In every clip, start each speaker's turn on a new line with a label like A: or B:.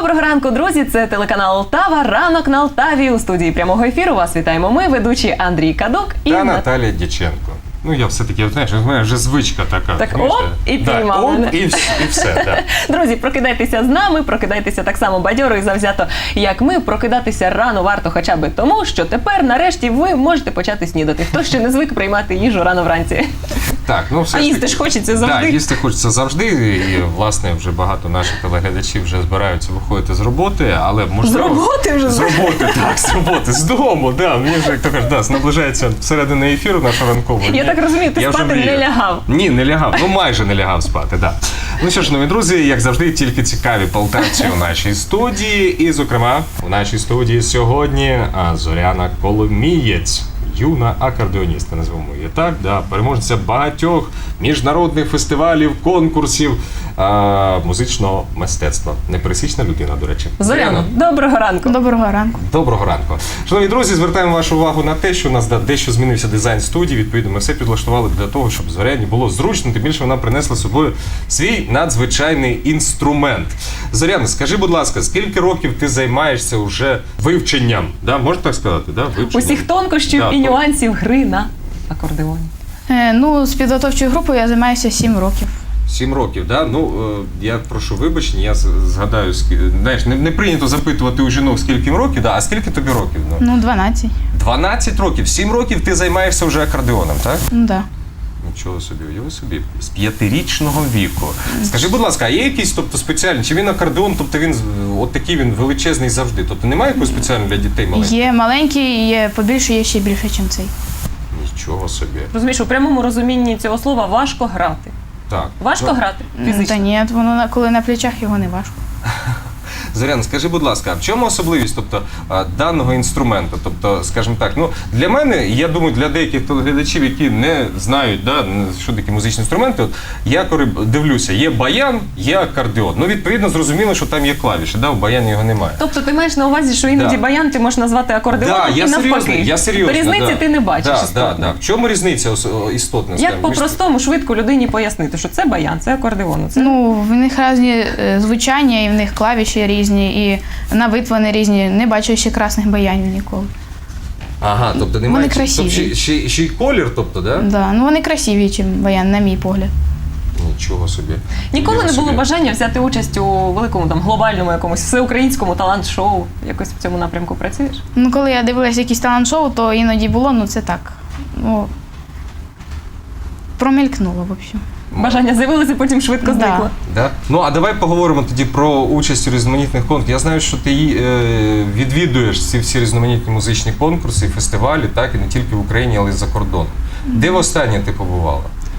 A: Доброго ранку, друзі! Це телеканал Алтава. Ранок на Алтаві. У студії прямого ефіру вас вітаємо ми, ведучі Андрій Кадок
B: і Наталія Дяченко. Ну, я все-таки, знаєш, в мене вже звичка така.
A: Так, оп, і піймали.
B: Оп, і все, так.
A: Друзі, прокидайтеся з нами, прокидайтеся так само бадьоро і завзято, як ми. Прокидатися рано варто хоча б тому, що тепер, нарешті, ви можете почати снідати. Хто ще не звик приймати їжу рано вранці.
B: Так, ну все
A: ж таки. А їсти ж хочеться завжди.
B: Так, їсти хочеться завжди. І, власне, вже багато наших телеглядачів вже збираються виходити з роботи, але можливо...
A: З роботи вже?
B: З роботи, так, з роботи, з дому, да. Мені вже, як то кажуть, наближається середина ефіру нашого ранкового.
A: Я так розумію, ти спати не лягав.
B: Ні, не лягав. Ну, майже не лягав спати, так. Ну що ж, нові друзі, як завжди, тільки цікаві полтавці у нашій студії. І, зокрема, у нашій студії сьогодні Зоряна Коломієць. Юна акордеоністка, назвемо її так, да, переможниця багатьох міжнародних фестивалів, конкурсів музичного мистецтва. Непересічна людина, до речі.
A: Зоряна, доброго ранку.
C: Доброго ранку.
B: Доброго ранку. Шановні друзі, звертаємо вашу увагу на те, що у нас дещо змінився дизайн студії. Відповідно, ми все підлаштували для того, щоб Зоряні було зручно, тим більше вона принесла з собою свій надзвичайний інструмент. Зоряна, скажи, будь ласка, скільки років ти займаєшся вже вивченням? Да, можна так сказати? Да? Вивченням.
A: Усіх тонкощів і нюансів гри на акордеоні.
C: Ну, з підготовчою групою я займаюся 7 років.
B: 7 років, да? Ну, я прошу вибачення, я згадаю, знаєш, не прийнято запитувати у жінок, скільки їм років, да? А скільки тобі років?
C: Ну, 12.
B: 12 років, 7 років ти займаєшся вже акордеоном, так?
C: Ну, так.
B: Нічого собі, уяви собі, з 5-річного віку. Скажи, будь ласка, а є якийсь, тобто, спеціальний, чи він акордеон, тобто він, от такий він величезний завжди, тобто немає якогось спеціального для дітей маленьких?
C: Є маленький, є побільше, є ще більше, ніж цей.
B: Нічого собі.
A: Розумієш, у прямому розумінні цього слова важко грати.
B: Так.
A: Важко грати фізично?
C: Та ні, воно коли на плечах, його не важко.
B: Зоряна, скажи, будь ласка, а в чому особливість, тобто, даного інструменту? Тобто, скажімо так, ну, для мене, я думаю, для деяких телеглядачів, які не знають, да, що такі музичні інструменти, от, я коли дивлюся, є баян, є акордеон. Ну, відповідно, зрозуміло, що там є клавіші, да, у баяні його немає.
A: Тобто ти маєш на увазі, що іноді баян ти можеш назвати акордеоном і навпаки.
B: Я серйозно.
A: Різниці ти не бачиш істотно.
B: В чому різниця істотна?
A: Як по-простому, швидко людині пояснити, що це баян, це акордеон?
C: Ну, в них різні звучання, і в них клавіші різні, і на вид вони різні. Не бачу ще красних баянів ніколи.
B: Ага, тобто немає...
C: Вони красиві.
B: Тобто, ще й колір, тобто, да?
C: Да, ну вони красиві, ніж баян, на мій погляд.
B: Нічого собі.
A: Ніколи не було бажання взяти участь у великому там глобальному якомусь всеукраїнському талант-шоу? Якось в цьому напрямку працюєш?
C: Ну, коли я дивилася якісь талант-шоу, то іноді було, ну це так. Ну, промелькнуло, в общем.
A: Бажання з'явилося, потім швидко зникло.
B: Да? Ну, а давай поговоримо тоді про участь у різноманітних конкурсах. Я знаю, що ти відвідуєш ці всі різноманітні музичні конкурси і фестивалі, так, і не тільки в Україні, але й за кордоном. Де востаннє ти побувала?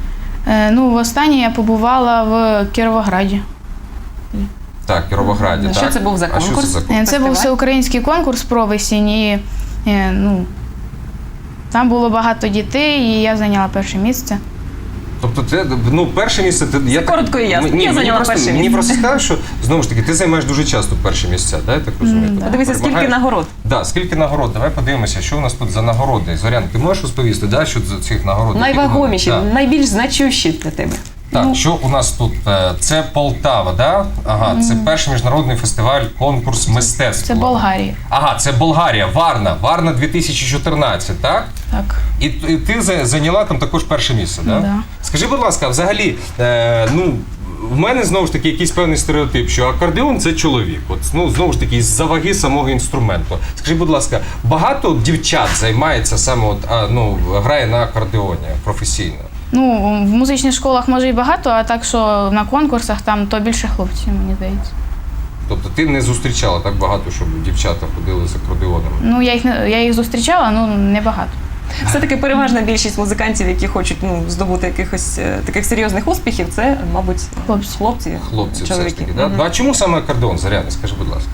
C: Ну, востаннє я побувала в Кіровограді.
B: Так, в Кіровограді, так.
A: Що це був за конкурс?
B: А що це за конкурс?
C: Це був всеукраїнський конкурс про весінь, і ну, там було багато дітей, і я зайняла перше місце.
B: Тобто, це, ну, перше місце...
A: Це коротко і ясно. Я зайняла перше місце.
B: Мені просто сказали, що, знову ж таки, ти займаєш дуже часто перші місця, да, я так розумію?
A: Подивися, скільки нагород.
B: Так, скільки нагород. Давай подивимося, що у нас тут за нагороди. Зорян, ти можеш розповісти, да, що за цих нагород?
A: Найвагоміші, найбільш значущі для тебе.
B: Так, що у нас тут? Це Полтава, да? Ага, це перший міжнародний фестиваль, конкурс мистецтва.
C: Це Болгарія.
B: Ага, це Болгарія, Варна 2014, так?
C: Так.
B: І ти зайняла там також перше місце, так?
C: Да.
B: Скажи, будь ласка, взагалі, ну, в мене, знову ж таки, якийсь певний стереотип, що акордеон – це чоловік. От, ну, знову ж таки, з-за ваги самого інструменту. Скажи, будь ласка, багато дівчат займається саме, от, ну, грає на акордеоні професійно?
C: Ну, в музичних школах може і багато, а так, що на конкурсах там то більше хлопців, мені здається.
B: Тобто ти не зустрічала так багато, щоб дівчата ходили з акордеонами?
C: Ну, я їх зустрічала, ну, не багато.
A: Все-таки переважна більшість музикантів, які хочуть здобути якихось таких серйозних успіхів, це, мабуть, хлопці
B: все ж таки, да? Ну, а чому саме акордеон, Зоряна, скажи, будь ласка?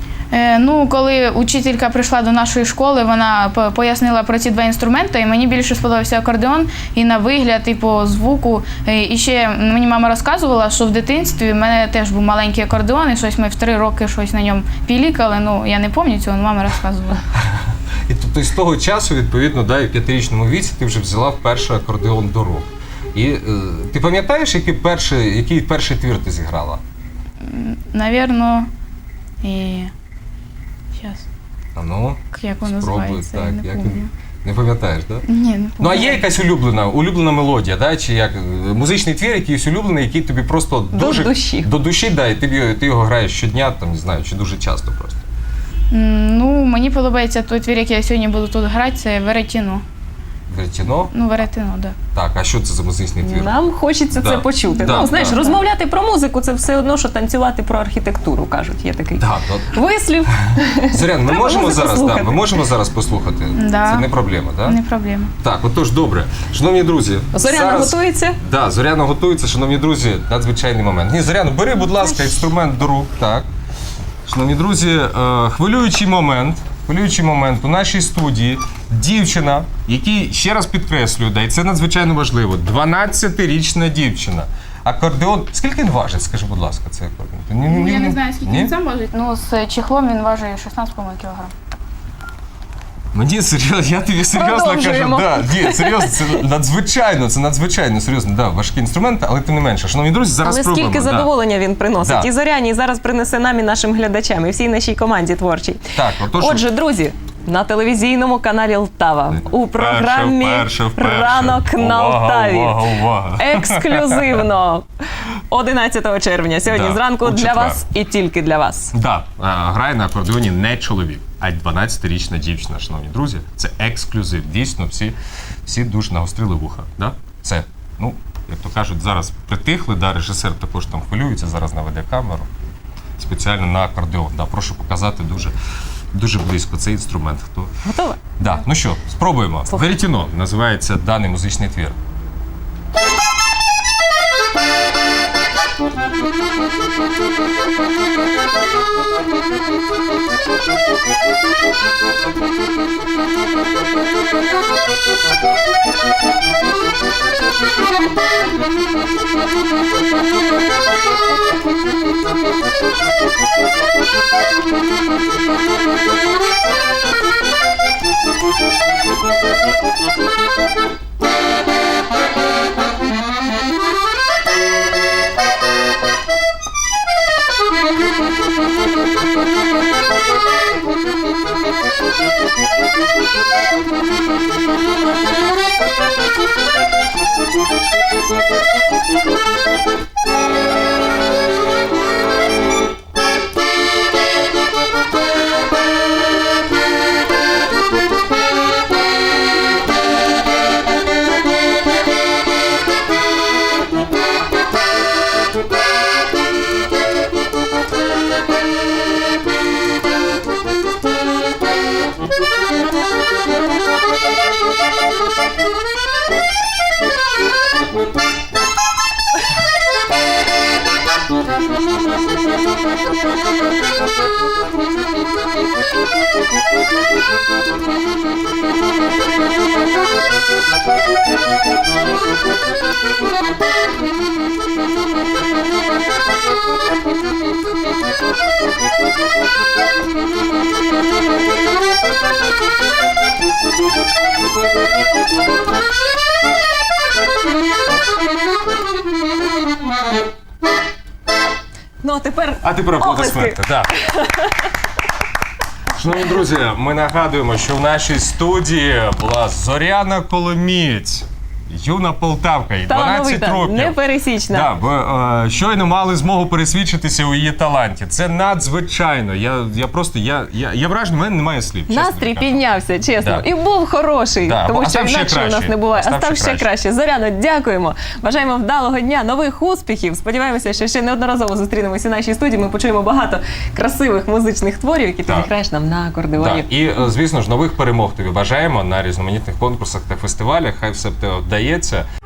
C: Ну, коли учителька прийшла до нашої школи, вона пояснила про ці два інструменти, і мені більше сподобався акордеон і на вигляд, і по звуку. І ще мені мама розказувала, що в дитинстві в мене теж був маленький акордеон, і щось ми в 3 роки щось на ньому пілікали, ну, я не пам'ятаю цього, але мама розказувала.
B: І тобто з того часу, відповідно, да, і в 5-річному віці ти вже взяла вперше акордеон до рук. І ти пам'ятаєш, який перший твір ти зіграла?
C: Навірно, І зараз,
B: А ну,
C: як воно
B: спробуй,
C: називається, я
B: так,
C: не
B: як
C: пам'ятаю.
B: не пам'ятаєш, так?
C: Ні, не
B: Ну, а
C: пам'ятаю.
B: є якась улюблена мелодія, да? Чи як музичний твір, якийсь улюблений, який тобі просто дуже
A: душі.
B: до душі, да, і ти його граєш щодня, там, не знаю, чи дуже часто просто.
C: Ну, мені подобається той твір, який я сьогодні буду тут грати, це Веретіно.
B: Веретіно?
C: Ну, Веретіно, так.
B: Так, а що це за музичний твір?
A: Нам хочеться
B: Да.
A: це почути.
B: Да,
A: Ну, знаєш,
B: да.
A: розмовляти про музику це все одно, що танцювати про архітектуру, кажуть. Є такий
B: Так,
A: вислів.
B: Зорян, ми
A: Треба
B: можемо
A: музику
B: зараз,
A: слухати.
B: ми можемо зараз послухати?
C: Да.
B: Це не проблема, так?
C: Не проблема.
B: Так, отож, добре. Шановні друзі,
A: Зоряна готується.
B: Да, Зоряна готується, шановні друзі, надзвичайний момент. Ні, Зоряна, бери, будь ласка, інструмент до рук. Так. Шановні друзі, хвилюючий момент у нашій студії. Дівчина, який, ще раз підкреслюю, да, і це надзвичайно важливо, 12-річна дівчина. Акордеон. Скільки він важить, скажи, будь ласка, цей акордеон?
C: Я не знаю, скільки
B: Ні?
C: він сам важить. Ну, з чехлом він важить 16,5 кг.
B: Мені серйозно, я тобі серйозно кажу,
A: Продовжуємо.
B: ні, серйозно, це надзвичайно серйозно, да, важкі інструменти, але тим не менше. Шановні друзі, зараз
A: Але
B: спробуємо.
A: скільки
B: да.
A: задоволення він приносить.
B: Да.
A: І Зоряні і зараз принесе нам і нашим глядачам, і всій нашій команді творчій.
B: Так, отож,
A: Отже, друзі, на телевізійному каналі Лтава у програмі
B: Вперше.
A: Ранок на Лтаві.
B: Увага.
A: Ексклюзивно 11 червня. Сьогодні
B: Да,
A: зранку
B: у
A: для
B: четвер.
A: вас і тільки для вас.
B: Да, грає на акордеоні не чоловік, а 12-річна дівчина, шановні друзі. Це ексклюзив. Дійсно, всі дуже нагострили вуха. Да? Це, ну, як то кажуть, зараз притихли, да, режисер також там хвилюється, зараз наведе камеру. Спеціально на акордеон. Да, прошу показати дуже близько цей інструмент. Хто...
A: Готова?
B: Да. Ну що, спробуємо.
A: Слухай.
B: Веретіно називається даний музичний твір.
A: Ну,
B: А тепер аплодисменти. Да. Шановні друзі, ми нагадуємо, що в нашій студії була Зоряна Коломієць, юна полтавка, їй 12
A: талановита,
B: років.
A: непересічна.
B: Да, ви щойно мали змогу пересвідчитися у її таланті. Це надзвичайно. Я вражений, в мене немає слів. чесно
A: Настрій
B: кажучи.
A: піднявся, чесно.
B: Да.
A: І був хороший,
B: Да,
A: тому
B: а
A: що
B: став ще
A: інакше у нас
B: краще.
A: не буває.
B: А
A: А став ще краще. Зоряно, дякуємо. Бажаємо вдалого дня, нових успіхів. Сподіваємося, що ще неодноразово зустрінемося у нашій студії. Ми почуємо багато красивих музичних творів, які ти
B: Так.
A: граєш нам на акордеоні.
B: Да. І, звісно ж, нових перемог тобі бажаємо на різноманітних конкурсах та фестивалях. Хай все в тебе вдається.